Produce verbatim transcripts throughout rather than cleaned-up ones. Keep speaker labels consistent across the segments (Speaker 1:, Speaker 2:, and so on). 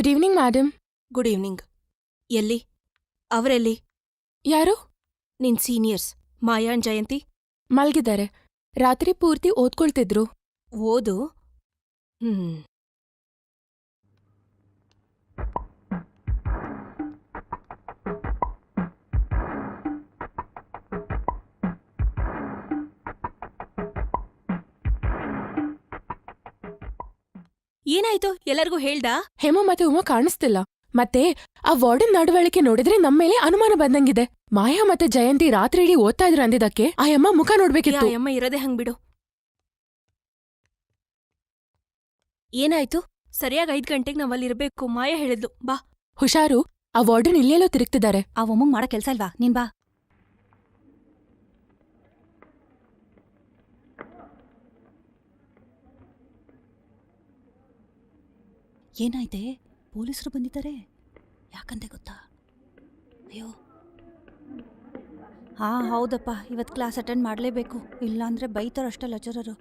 Speaker 1: Good evening madam.
Speaker 2: Good evening. ಎಲ್ಲಿ? ಅವರೆಲ್ಲಿ?
Speaker 1: ಯಾರು?
Speaker 2: ನಿನ್ ಸೀನಿಯರ್ಸ್ ಮಾಯಾ ಅಂಡ್ ಜಯಂತಿ
Speaker 1: ಮಲ್ಗಿದ್ದಾರೆ. ರಾತ್ರಿ ಪೂರ್ತಿ ಓದ್ಕೊಳ್ತಿದ್ರು.
Speaker 2: ಓದು. ಹ್ಮ್. ಏನಾಯ್ತು? ಎಲ್ಲರಿಗೂ ಹೇಳ್ದಾ?
Speaker 1: ಹೇಮ ಮತ್ತೆ ಉಮಾ ಕಾಣಿಸ್ತಿಲ್ಲ. ಮತ್ತೆ ಆ ವಾರ್ಡನ್ ನಡವಳಿಕೆ ನೋಡಿದ್ರೆ ನಮ್ಮೇಲೆ ಅನುಮಾನ ಬಂದಂಗಿದೆ. ಮಾಯಾ ಮತ್ತೆ ಜಯಂತಿ ರಾತ್ರಿ ಇಡೀ ಓದ್ತಾ ಇದ್ರು ಅಂದಿದ್ದಕ್ಕೆ ಆ ಅಮ್ಮ ಮುಖ ನೋಡ್ಬೇಕಿತ್ತು.
Speaker 2: ಅಮ್ಮ ಇರೋದೇ ಹಂಗ್ ಬಿಡು. ಏನಾಯ್ತು? ಸರಿಯಾಗಿ ಐದ್ ಗಂಟೆಗೆ ನಾವಲ್ಲಿರ್ಬೇಕು. ಮಾಯಾ ಹೇಳಿದ್ಲು ಬಾ.
Speaker 1: ಹುಷಾರು, ಆ ವಾರ್ಡನ್ ಇಲ್ಲೆಲ್ಲೋ ತಿರುಗ್ತಿದ್ದಾರೆ.
Speaker 3: ಆ ಒಮ್ಮಂಗ್ ಮಾಡೋ ಕೆಲ್ಸ ಇಲ್ವಾ? ನೀನ್ ಬಾ. ಏನಾಯ್ತೆ? ಪೊಲೀಸರು ಬಂದಿದ್ದಾರೆ. ಯಾಕಂತೆ ಗೊತ್ತಾ? ಅಯ್ಯೋ, ಹಾ ಹೌದಪ್ಪ, ಇವತ್ತು ಕ್ಲಾಸ್ ಅಟೆಂಡ್ ಮಾಡಲೇಬೇಕು, ಇಲ್ಲಾಂದ್ರೆ ಬೈತಾರಷ್ಟೇ ಲೆಕ್ಚರರು.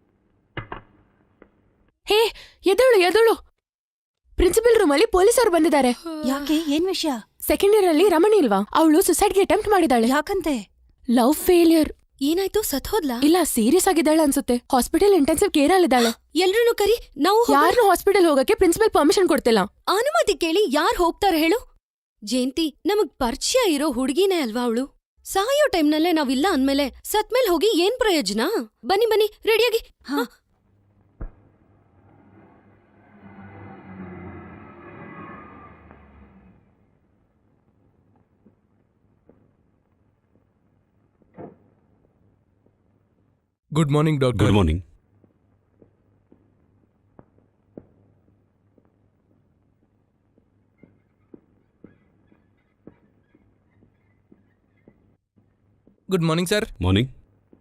Speaker 1: ಹೇ ಎದಳು ಎದಳು, ಪ್ರಿನ್ಸಿಪಲ್ ರೂಮಲ್ಲಿ ಪೊಲೀಸರು ಬಂದಿದ್ದಾರೆ.
Speaker 3: ಯಾಕೆ? ಏನ್ ವಿಷಯ?
Speaker 1: ಸೆಕೆಂಡ್ ಇಯರ್ ಅಲ್ಲಿ ರಮಣಿ ಇಲ್ವಾ, ಅವಳು ಸುಸೈಡ್ಗೆ ಅಟೆಂಪ್ಟ್ ಮಾಡಿದಾಳೆ.
Speaker 3: ಯಾಕಂತೆ?
Speaker 1: Love failure.
Speaker 2: ಏನಾಯ್ತು? ಸತ್ಹೋದ್ಲಾ?
Speaker 1: ಇಲ್ಲ, ಸೀರಿಯಸ್ ಆಗಿದ್ದಾಳೆ ಅನ್ಸುತ್ತೆ. ಹಾಸ್ಪಿಟಲ್ ಇಂಟೆನ್ಸಿವ್ ಕೇರ್ ಅಲ್ಲಿದ್ದಾಳೆ.
Speaker 2: ಎಲ್ರನ್ನೂ ಕರಿ. ನಾವು
Speaker 1: ಯಾರನ್ನೂ ಹಾಸ್ಪಿಟಲ್ ಹೋಗಕ್ಕೆ ಪ್ರಿನ್ಸಿಪಲ್ ಪರ್ಮಿಷನ್ ಕೊಡ್ತಿಲ್ಲ.
Speaker 2: ಅನುಮತಿ ಕೇಳಿ ಯಾರ್ ಹೋಗ್ತಾರೆ ಹೇಳು? ಜಯಂತಿ ನಮಗ್ ಪರಿಚಯ ಇರೋ ಹುಡುಗಿನೇ ಅಲ್ವಾ ಅವಳು? ಸಾಯೋ ಟೈಮ್ನಲ್ಲೇ ನಾವಿಲ್ಲ ಅಂದ್ಮೇಲೆ ಸತ್ಮೇಲ್ ಹೋಗಿ ಏನ್ ಪ್ರಯೋಜನ? ಬನ್ನಿ ಬನ್ನಿ, ರೆಡಿಯಾಗಿ.
Speaker 3: ಹಾ.
Speaker 4: Good morning doctor.
Speaker 5: Good morning.
Speaker 4: Good morning sir.
Speaker 5: Morning.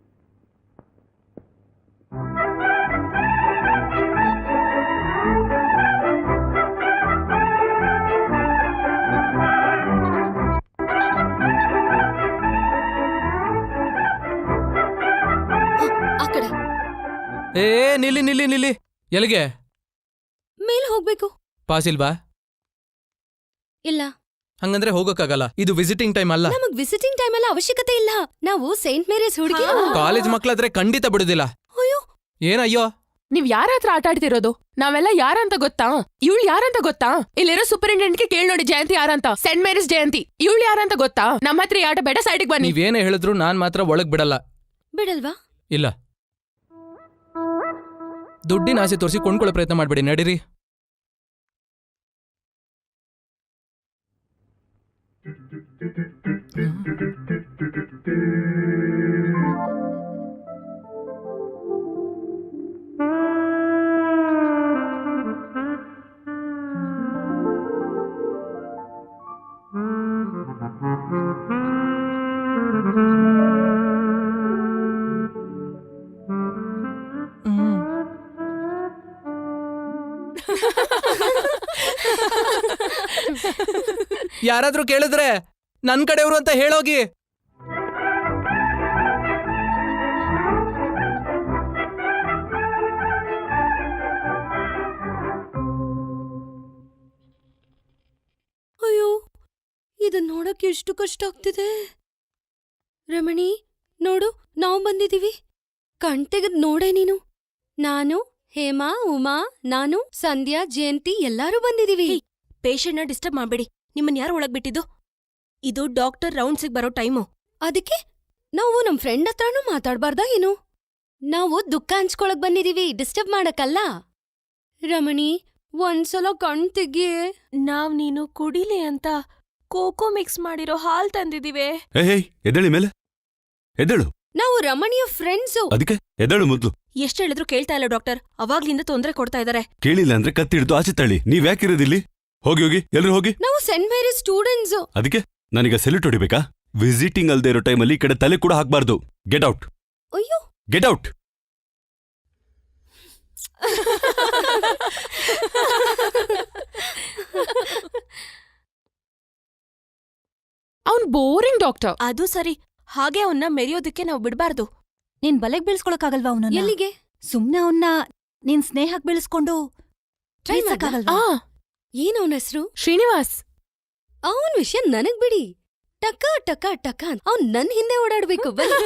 Speaker 2: ಆ ಕಡೆ
Speaker 4: ಏ ನಿಲ್ಲಿ ನಿಲ್ಲಿ ನಿಲ್ಲಿ. ಎಲ್ಲಿಗೆ?
Speaker 2: ಮೇಲ್ ಹೋಗ್ಬೇಕು.
Speaker 4: ಪಾಸ್ ಇಲ್ವಾ?
Speaker 2: ಇಲ್ಲ.
Speaker 4: ಹಂಗಂದ್ರೆ ಹೋಗಕ್ಕಾಗಲ್ಲ, ಇದು ವಿಸಿಟಿಂಗ್ ಟೈಮ್ ಅಲ್ಲ.
Speaker 2: ನಮಗ್ ವಿಸಿಟಿಂಗ್ ಟೈಮ್ ಎಲ್ಲ ಅವಶ್ಯಕತೆ ಇಲ್ಲ. ನಾವು ಸೇಂಟ್ ಮೇರೀಸ್ ಹುಡುಗಿ.
Speaker 4: ಕಾಲೇಜ್ ಮಕ್ಳಾದ್ರೆ ಖಂಡಿತ ಬಿಡುದಿಲ್ಲ.
Speaker 2: ಅಯ್ಯೋ
Speaker 4: ಏನಯ್ಯೋ,
Speaker 1: ನೀವ್ ಯಾರ ಹತ್ರ ಆಟ ಆಡ್ತಿರೋದು? ನಾವೆಲ್ಲ ಯಾರಂತ ಗೊತ್ತಾ? ಇವಳು ಯಾರಂತ ಗೊತ್ತಾ? ಇಲ್ಲಿರೋ ಸೂಪರಿಂಟೆಂಡೆಂಟ್ಗೆ ಕೇಳ್ ನೋಡಿ ಜಯಂತಿ ಯಾರಂತ. Saint Mary's Jayanti. ಇವಳು ಯಾರಂತ ಗೊತ್ತಾ? ನಮ್ಮ ಹತ್ರ ಆಟ ಬೇಡ, ಸೈಡಿಗೆ ಬನ್ನಿ.
Speaker 4: ನೀವೇನೇ ಹೇಳಿದ್ರು ನಾನ್ ಮಾತ್ರ ಒಳಗ್ ಬಿಡಲ್ಲ.
Speaker 2: ಬಿಡಲ್ವಾ?
Speaker 4: ಇಲ್ಲ. ದುಡ್ಡಿನ ಆಸೆ ತೋರಿಸಿ ಕೊಂಡ್ಕೊಳ್ಳೋ ಪ್ರಯತ್ನ ಮಾಡ್ಬೇಡಿ, ನಡೀರಿ. ಯಾರಾದ್ರೂ ಕೇಳಿದ್ರೆ ನನ್ ಕಡೆಯವರು ಅಂತ ಹೇಳೋಗಿ.
Speaker 2: ಅಯ್ಯೋ, ಇದನ್ ನೋಡಕ್ಕೆ ಎಷ್ಟು ಕಷ್ಟ ಆಗ್ತಿದೆ. ರಮಣಿ ನೋಡು, ನಾವು ಬಂದಿದೀವಿ. ಕಣ್ ತೆಗೆದ್ ನೋಡೆ ನೀನು. ನಾನು, ಹೇಮಾ, ಉಮಾ, ನಾನು, ಸಂಧ್ಯಾ, ಜಯಂತಿ ಎಲ್ಲಾರೂ ಬಂದಿದೀವಿ. ಪೇಷಂಟ್ನ ಡಿಸ್ಟರ್ಬ್ ಮಾಡ್ಬೇಡಿ. ನಿಮ್ಮನ್ ಯಾರು ಒಳಗ್ ಬಿಟ್ಟಿದ್ದು? ಇದು ಡಾಕ್ಟರ್ ರೌಂಡ್ಸಿಗೆ ಬರೋ ಟೈಮು. ಅದಕ್ಕೆ ನಾವು ನಮ್ ಫ್ರೆಂಡ್ ಹತ್ರನೂ ಮಾತಾಡ್ಬಾರ್ದಾ ಏನು? ನಾವು ದುಃಖ ಹಂಚ್ಕೊಳಕ್ ಬಂದಿದೀವಿ, ಡಿಸ್ಟರ್ಬ್ ಮಾಡಕ್ಕಲ್ಲ. ರಮಣಿ, ಒಂದ್ಸಲ ಕಣ್ ತೆಗಿಯೇ. ನಾವ್ ನೀನು ಕುಡಿಲೆ ಅಂತ ಕೋಕೋ ಮಿಕ್ಸ್ ಮಾಡಿರೋ ಹಾಲ್ ತಂದಿದೀವಿ.
Speaker 5: ಎದಳಿ ಮೇಲೆ ಎದಳು.
Speaker 2: ನಾವು ರಮಣಿಯ ಫ್ರೆಂಡ್ಸು.
Speaker 5: ಅದಕ್ಕೆ ಎದಳು ಮೊದ್ಲು.
Speaker 2: ಎಷ್ಟ್ ಹೇಳಿದ್ರು ಕೇಳ್ತಾ ಇಲ್ಲ ಡಾಕ್ಟರ್. ಅವಾಗ್ಲಿಂದ ತೊಂದ್ರೆ ಕೊಡ್ತಾ ಇದಾರೆ.
Speaker 5: ಕೇಳಿಲ್ಲ ಅಂದ್ರೆ ಕತ್ತಿಡ್ದು ಆಚೆ ತಳ್ಳಿ. ನೀವ್ ಯಾಕಿರೋದಿಲ್ಲಿ? ಹೋಗಿ ಹೋಗಿ, ಎಲ್ರು ಹೋಗಿ.
Speaker 2: ನಾವು ಸೆಂಟ್ ಮೇರಿಸ್ ಸ್ಟೂಡೆಂಟ್ಸ್.
Speaker 5: ಅದಕ್ಕೆ ನನಗ ಸೆಲ್ಯೂಟ್ ಹೊಡಿಬೇಕಾ? ವಿಸಿಟಿಂಗ್ ಅಲ್ದೇ ಇರೋ ಟೈಮಲ್ಲಿ ಈ ಕಡೆ ತಲೆ ಕೂಡ ಹಾಕ್ಬಾರ್ದು. Get out.
Speaker 2: ಅಯ್ಯೋ,
Speaker 5: ಗೆಟ್ ಔಟ್.
Speaker 1: ಅವ್ನ್ ಬೋರಿಂಗ್ ಡಾಕ್ಟರ್.
Speaker 2: ಅದು ಸರಿ, ಹಾಗೆ ಅವನ್ನ ಮೆರೆಯೋದಕ್ಕೆ ನಾವು ಬಿಡ್ಬಾರ್ದು.
Speaker 3: ನೀನ್ ಬಲೆಗ್ ಬೀಳ್ಸ್ಕೊಳಕ್ಕಾಗಲ್ವಾ ಅವನನ್ನ?
Speaker 2: ಎಲ್ಲಿಗೆ?
Speaker 3: ಸುಮ್ನೆ ಅವನ್ನ ನೀನ್ ಸ್ನೇಹಕ್ ಬೀಳಿಸ್ಕೊಂಡು ಟ್ರೈ ಮಾಡಕ್ಕಾಗಲ್ವಾ?
Speaker 1: ಆ
Speaker 2: ಏನ್ ಅವನ ಹೆಸರು?
Speaker 1: ಶ್ರೀನಿವಾಸ್.
Speaker 2: ಅವನ್ ವಿಷಯ ನನಗ್ ಬಿಡಿ. ಟಕ ಟಕ ಟಕ ಅವ್ನ್ ನನ್ ಹಿಂದೆ ಓಡಾಡ್ಬೇಕು. ಬನ್ನಿ.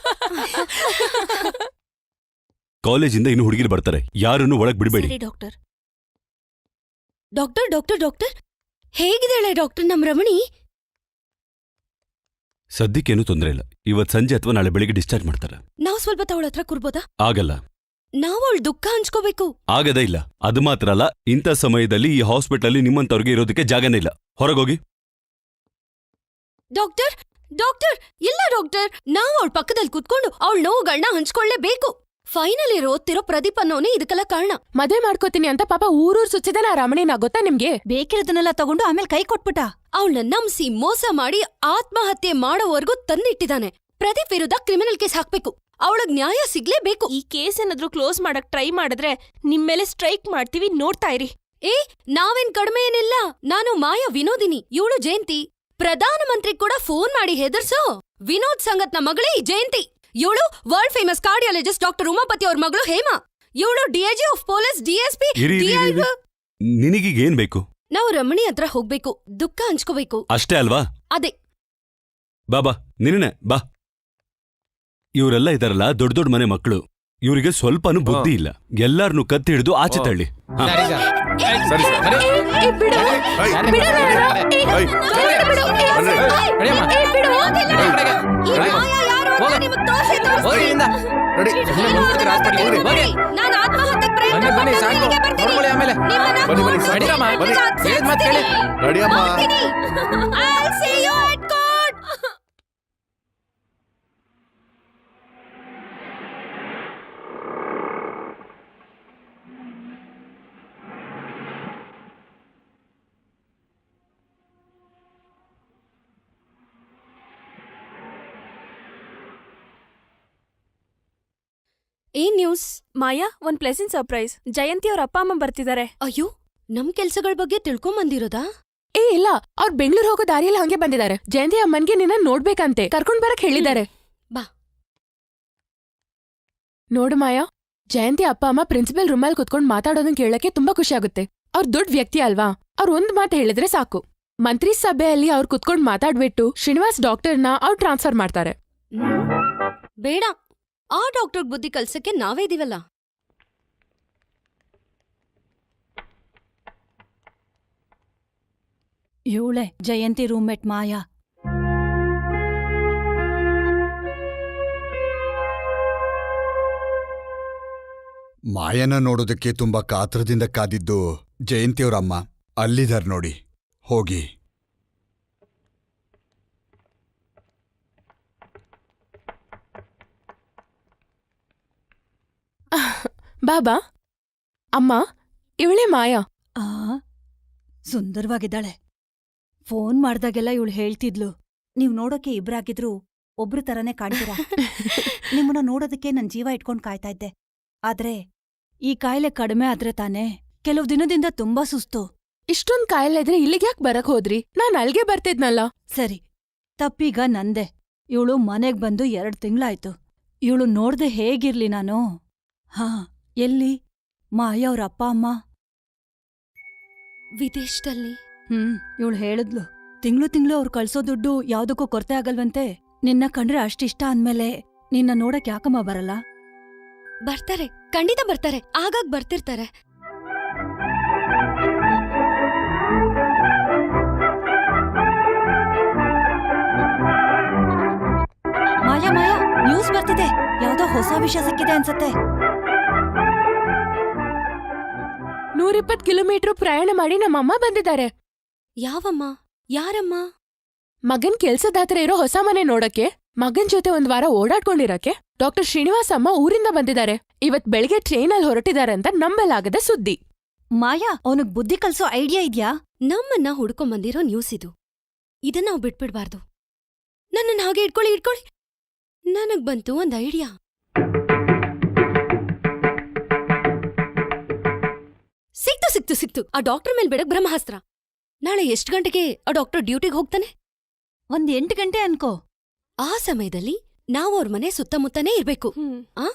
Speaker 5: ಕಾಲೇಜಿಂದ ಇನ್ನು ಹುಡುಗಿರು ಬರ್ತಾರೆ, ಯಾರನ್ನು ಒಳಗ್ ಬಿಡಬೇಡಿ.
Speaker 2: ಸರಿ ಡಾಕ್ಟರ್. ಡಾಕ್ಟರ್ ಡಾಕ್ಟರ್ ಡಾಕ್ಟರ್ ಹೇಗಿದ್ದಾಳೆ ಡಾಕ್ಟರ್ ನಮ್ ರಮಣಿ?
Speaker 5: ಸದ್ಯಕ್ಕೇನು ತೊಂದರೆ ಇಲ್ಲ. ಇವತ್ ಸಂಜೆ ಅಥವಾ ನಾಳೆ ಬೆಳಿಗ್ಗೆ ಡಿಸ್ಚಾರ್ಜ್ ಮಾಡ್ತಾರೆ.
Speaker 2: ನಾವ್ ಸ್ವಲ್ಪ ತವಳ ಹತ್ರ ಕೂರ್ಬೋದಾ?
Speaker 5: ಆಗಲ್ಲ.
Speaker 2: ನಾವ್ ಅವಳ ದುಃಖ ಹಂಚ್ಕೋಬೇಕು.
Speaker 5: ಆಗದೇ ಇಲ್ಲ. ಅದು ಮಾತ್ರ ಅಲ್ಲ, ಇಂಥ ಸಮಯದಲ್ಲಿ ಈ ಹಾಸ್ಪಿಟಲ್ ನಿಮ್ಮಂತವ್ರಿಗೆ ಇರೋದಕ್ಕೆ ಜಾಗನೇ ಇಲ್ಲ. ಹೊರಗೋಗಿ.
Speaker 2: ಡಾಕ್ಟರ್ ಡಾಕ್ಟರ್ ಇಲ್ಲ ಡಾಕ್ಟರ್, ನಾವ್ ಅವಳ ಪಕ್ಕದಲ್ಲಿ ಕುತ್ಕೊಂಡು ಅವಳ ನೋವುಗಳನ್ನ ಹಂಚ್ಕೊಳ್ಳೇಬೇಕು. ಫೈನಲ್ ಇರೋ ಓದ್ತಿರೋ ಪ್ರದೀಪ್ ಅನ್ನೋನೇ ಇದಕ್ಕೆಲ್ಲ ಕಾರಣ.
Speaker 1: ಮದ್ವೆ ಮಾಡ್ಕೋತೀನಿ ಅಂತ ಪಾಪ ಊರೂರ್ ಸುತ್ತಿದಾನ ಆ ರಮಣಿನ, ಗೊತ್ತಾ ನಿಮ್ಗೆ?
Speaker 3: ಬೇಕಿರೋದನ್ನೆಲ್ಲ ತಗೊಂಡು ಆಮೇಲೆ ಕೈ ಕೊಟ್ಬಿಟ್ಟ.
Speaker 2: ಅವಳನ್ನ ನಂಬಿಸಿ ಮೋಸ ಮಾಡಿ ಆತ್ಮಹತ್ಯೆ ಮಾಡೋವರೆಗೂ ತಂದಿಟ್ಟಿದ್ದಾನೆ. ಪ್ರದೀಪ್ ವಿರುದ್ಧ ಕ್ರಿಮಿನಲ್ ಕೇಸ್ ಹಾಕ್ಬೇಕು. ಅವಳಗ್ ನ್ಯಾಯ ಸಿಗ್ಲೇಬೇಕು.
Speaker 6: ಈ ಕೇಸ್ ಏನಾದ್ರೂ ಕ್ಲೋಸ್ ಮಾಡಕ್ ಟ್ರೈ ಮಾಡಿದ್ರೆ ನಿಮ್ಮೇಲೆ ಸ್ಟ್ರೈಕ್ ಮಾಡ್ತೀವಿ, ನೋಡ್ತಾ ಇರಿ.
Speaker 2: ಏ ನಾವೇನ್ ಕಡಿಮೆ ಏನಿಲ್ಲ. ನಾನು ಮಾಯಾ ವಿನೋದಿನಿ, ಇವಳು ಜಯಂತಿ. ಪ್ರಧಾನಮಂತ್ರಿ ಕೂಡ ಫೋನ್ ಮಾಡಿ ಹೆದರ್ಸೋ ವಿನೋದ್ ಸಂಗತ್ನ ಮಗಳೇ ಈ ಜಯಂತಿ. ಇವಳು world famous cardiologist doctor Umapathi ಅವ್ರ ಮಗಳು ಹೇಮಾ. ಇವಳು ಡಿಐಜಿ ಆಫ್ ಪೊಲೀಸ್, ಡಿಎಸ್ಪಿ.
Speaker 5: ನಿನಗೀಗ ಏನ್ ಬೇಕು?
Speaker 2: ನಾವು ರಮಣಿ ಹತ್ರ ಹೋಗ್ಬೇಕು, ದುಃಖ ಹಂಚ್ಕೋಬೇಕು.
Speaker 5: ಅಷ್ಟೇ ಅಲ್ವಾ?
Speaker 2: ಅದೇ.
Speaker 5: ಬಾ ಬಾ ನಿನ್ನೆ ಬಾ. ಇವರೆಲ್ಲ ಇದಾರಲ್ಲ ದೊಡ್ಡ ದೊಡ್ಡ ಮನೆ ಮಕ್ಕಳು, ಇವರಿಗೆ ಸ್ವಲ್ಪನೂ ಬುದ್ಧಿ ಇಲ್ಲ. ಎಲ್ಲಾರನ್ನು ಕತ್ತಿ ಹಿಡಿದು ಆಚೆ ತಳ್ಳಿ. ಹಾ.
Speaker 4: ಸರಿ ಸರ್, ಬರೀ.
Speaker 1: ಏ, ಬಿಡು.
Speaker 4: ಯಾರನ್ನ
Speaker 1: ಬಿಡು
Speaker 4: ಬಿಡು?
Speaker 1: ನನ್ನ. ಏ,
Speaker 4: ಏಯ್.
Speaker 1: ಬಿಡು, ಬಿಡು. ಏ,
Speaker 4: ಬನ್ರಿ. ನಡಿಯಮ್ಮ.
Speaker 2: ಏ, ಬಿಡು, ಹೋಗಿಲ್ಲ.
Speaker 4: ಈ ಕಡೆಗೆ.
Speaker 2: ಈ
Speaker 4: ನಡಿ.
Speaker 2: ಮಾಯಾ ಯಾರು ಅಂತ
Speaker 4: ಹೋಗು.
Speaker 2: ನಿಮಗ್ ತೋರ್ಸೇ ತೋರ್ಸ್ತೀನಿ.
Speaker 4: ಹೋಗಿ ಇಲ್ಲಿಂದ. ನಡಿ. ಸುಮ್ನೆ ಮುಂದ್ಬಿಡ್ತೀರಾ ಹಾಸ್ಪಿಟ್ಲಿಗೆ? ಹೋಗ್ರಿ. ಹೋಗಿ.
Speaker 2: ನಾನ್ ಆತ್ಮಹತ್ಯೆಗ್ ಪ್ರಯತ್ನ
Speaker 4: ಬನ್ನಿ, ಬನ್ನಿ,
Speaker 2: ಪಟ್ಟು
Speaker 4: ಸಾಕು.
Speaker 2: ಇಲ್ಲಿಗೆ ಬರ್ತೀನಿ.
Speaker 4: ನೋಡ್ಕೊಳ್ಳಿ ಆಮೇಲೆ.
Speaker 2: ನಿಮ್ಮನ್ನ
Speaker 7: ಬನ್ನಿ, ಬನ್ನಿ, ಸಾಕು.
Speaker 4: ನಡೀರಮ್ಮ.
Speaker 7: ಬನ್ನಿ.
Speaker 4: ಹೇಳಿದ್ ಮಾತ್ ಕೇಳಿ.
Speaker 7: ನಡಿಯಮ್ಮ.
Speaker 2: ಹೋಗ್ತೀನಿ. I'll see you at court. ಏನ್ ನ್ಯೂಸ್?
Speaker 6: ಮಾಯಾ, ಒಂದ್ ಪ್ಲೆಸೆಂಟ್ ಸರ್ಪ್ರೈಸ್. ಜಯಂತಿ ಅವ್ರ ಅಪ್ಪ ಅಮ್ಮ ಬರ್ತಿದ್ದಾರೆ.
Speaker 2: ಅಯ್ಯೋ, ನಮ್ ಕೆಲ್ಸಗಳ ಬಗ್ಗೆ ತಿಳ್ಕೊಂಬಂದಿರೋದಾ?
Speaker 1: ಏ ಇಲ್ಲ, ಅವ್ರ್ ಬೆಂಗ್ಳೂರ್ ಹೋಗೋ ದಾರಿಯಲ್ಲಿ ಹಂಗೆ ಬಂದಿದ್ದಾರೆ. ಜಯಂತಿ ಅಮ್ಮನ್ಗೆ ನಿನ್ನ ನೋಡ್ಬೇಕಂತೆ, ಕರ್ಕೊಂಡ್ ಬರಕ್ ಹೇಳಿದ್ದಾರೆ.
Speaker 2: ಬಾ.
Speaker 1: ನೋಡು ಮಾಯಾ, ಜಯಂತಿ ಅಪ್ಪ ಅಮ್ಮ ಪ್ರಿನ್ಸಿಪಲ್ ರೂಮಲ್ಲಿ ಕುತ್ಕೊಂಡ್ ಮಾತಾಡೋದನ್ ಕೇಳಕ್ಕೆ ತುಂಬಾ ಖುಷಿ ಆಗುತ್ತೆ. ಅವ್ರ್ ದೊಡ್ಡ ವ್ಯಕ್ತಿ ಅಲ್ವಾ, ಅವ್ರ್ ಒಂದ್ ಮಾತು ಹೇಳಿದ್ರೆ ಸಾಕು. ಮಂತ್ರಿ ಸಭೆಯಲ್ಲಿ ಅವ್ರ್ ಕುತ್ಕೊಂಡ್ ಮಾತಾಡ್ಬಿಟ್ಟು ಶ್ರೀನಿವಾಸ್ ಡಾಕ್ಟರ್ನ ಅವ್ರ್ ಟ್ರಾನ್ಸ್ಫರ್ ಮಾಡ್ತಾರೆ.
Speaker 2: ಹ್ಮ್. ಬೇಡ, ಆ ಡಾಕ್ಟರ್ ಬುದ್ಧಿ ಕಲ್ಸಕ್ಕೆ ನಾವೇ ಇದೀವಲ್ಲ.
Speaker 3: ಇವಳೆ ಜಯಂತಿ ರೂಮ್ಮೇಟ್ ಮಾಯಾ.
Speaker 7: ಮಾಯನ ನೋಡೋದಕ್ಕೆ ತುಂಬಾ ಕಾತ್ರದಿಂದ ಕಾದಿದ್ದು ಜಯಂತಿಯವ್ರಮ್ಮ ಅಲ್ಲಿದಾರ್ ನೋಡಿ. ಹೋಗಿ.
Speaker 1: ಬಾಬಾ, ಅಮ್ಮ, ಇವಳೇ ಮಾಯಾ.
Speaker 3: ಆ ಸುಂದರವಾಗಿದ್ದಾಳೆ. ಫೋನ್ ಮಾಡ್ದಾಗೆಲ್ಲ ಇವಳು ಹೇಳ್ತಿದ್ಲು, ನೀವ್ ನೋಡೋಕೆ ಇಬ್ರಾಗಿದ್ರು ಒಬ್ರು ತರನೇ ಕಾಣ್ತೀರಾ. ನಿಮ್ಮನ್ನ ನೋಡೋದಕ್ಕೆ ನನ್ ಜೀವ ಇಟ್ಕೊಂಡ್ ಕಾಯ್ತಾ ಇದ್ದೆ. ಆದ್ರೆ ಈ ಕಾಯಿಲೆ ಕಡಿಮೆ ಆದ್ರೆ ತಾನೇ. ಕೆಲವು ದಿನದಿಂದ ತುಂಬಾ ಸುಸ್ತು.
Speaker 1: ಇಷ್ಟೊಂದ್ ಕಾಯಿಲೆ ಇದ್ರೆ ಇಲ್ಲಿಗ್ಯಾಕ್ ಬರಕ್ ಹೋದ್ರಿ? ನಾನ್ ಅಲ್ಗೆ ಬರ್ತಿದ್ನಲ್ಲ.
Speaker 3: ಸರಿ, ತಪ್ಪೀಗ ನಂದೆ. ಇವಳು ಮನೆಗ್ ಬಂದು ಎರಡ್ ತಿಂಗ್ಳಾಯ್ತು. ಇವಳು ನೋಡ್ದೆ ಹೇಗಿರ್ಲಿ ನಾನು? ಹಾ, ಎಲ್ಲಿ ಮಾಯಾ ಅವ್ರ ಅಪ್ಪ ಅಮ್ಮ?
Speaker 2: ವಿದೇಶದಲ್ಲಿ.
Speaker 3: ಹ್ಮ್, ಇವಳು ಹೇಳಿದ್ಲು, ತಿಂಗ್ಳು ತಿಂಗ್ಳು ಅವ್ರು ಕಳ್ಸೋ ದುಡ್ಡು ಯಾವ್ದಕ್ಕೂ ಕೊರತೆ ಆಗಲ್ವಂತೆ. ನಿನ್ನ ಕಂಡ್ರೆ ಅಷ್ಟಿಷ್ಟ ಅಂದ್ಮೇಲೆ ನಿನ್ನ ನೋಡಕ್ ಯಾಕಮ್ಮ ಬರಲ್ಲ?
Speaker 2: ಬರ್ತಾರೆ, ಖಂಡಿತ ಬರ್ತಾರೆ. ಆಗಾಗ್ ಬರ್ತಿರ್ತಾರೆ.
Speaker 3: ಮಾಯಾ ಮಾಯಾ, ನ್ಯೂಸ್ ಬರ್ತಿದೆ. ಯಾವ್ದೋ ಹೊಸ ವಿಷಯ ಸಿಕ್ಕಿದೆ ಅನ್ಸತ್ತೆ.
Speaker 1: ನೂರಿಪ್ಪತ್ ಕಿಲೋಮೀಟರ್ ಪ್ರಯಾಣ ಮಾಡಿ ನಮ್ಮಮ್ಮ ಬಂದಿದ್ದಾರೆ.
Speaker 2: ಯಾವಮ್ಮ? ಯಾರಮ್ಮ?
Speaker 1: ಮಗನ್ ಕೆಲ್ಸದ ಹತ್ರ ಇರೋ ಹೊಸ ಮನೆ ನೋಡಕ್ಕೆ, ಮಗನ್ ಜೊತೆ ಒಂದ್ ವಾರ ಓಡಾಡ್ಕೊಂಡಿರಕ್ಕೆ ಡಾಕ್ಟರ್ ಶ್ರೀನಿವಾಸ್ ಅಮ್ಮ ಊರಿಂದ ಬಂದಿದ್ದಾರೆ. ಇವತ್ ಬೆಳಿಗ್ಗೆ ಟ್ರೈನಲ್ಲಿ ಹೊರಟಿದ್ದಾರೆ ಅಂತ ನಂಬಲಾಗದ ಸುದ್ದಿ.
Speaker 3: ಮಾಯಾ, ಅವನಿಗ್ ಬುದ್ಧಿ ಕಲ್ಸೋ ಐಡಿಯಾ ಇದ್ಯಾ?
Speaker 2: ನಮ್ಮನ್ನ ಹುಡ್ಕೊಂಬಂದಿರೋ ನ್ಯೂಸ್ ಇದು. ಇದನ್ನ ನಾವು ಬಿಟ್ಬಿಡ್ಬಾರ್ದು. ನನ್ನನ್ನ ಹಾಗೆ ಇಟ್ಕೊಳ್ಳಿ ಇಟ್ಕೊಳ್ಳಿ. ನನಗ್ ಬಂತು ಒಂದ್ ಐಡಿಯಾ. ಸಿಕ್ತು ಸಿಕ್ತು ಸಿಕ್ತು. ಆ ಡಾಕ್ಟರ್ ಮೇಲ್ ಬಿಡಕ್ ಬ್ರಹ್ಮಾಸ್ತ್ರ. ನಾಳೆ ಎಷ್ಟ್ ಗಂಟೆಗೆ ಆ ಡಾಕ್ಟರ್ ಡ್ಯೂಟಿಗೆ ಹೋಗ್ತಾನೆ?
Speaker 3: ಒಂದ್ ಎಂಟು ಗಂಟೆ ಅನ್ಕೋ.
Speaker 2: ಆ ಸಮಯದಲ್ಲಿ ನಾವು ಅವ್ರ ಮನೆ ಸುತ್ತಮುತ್ತನೇ ಇರ್ಬೇಕು. ಆ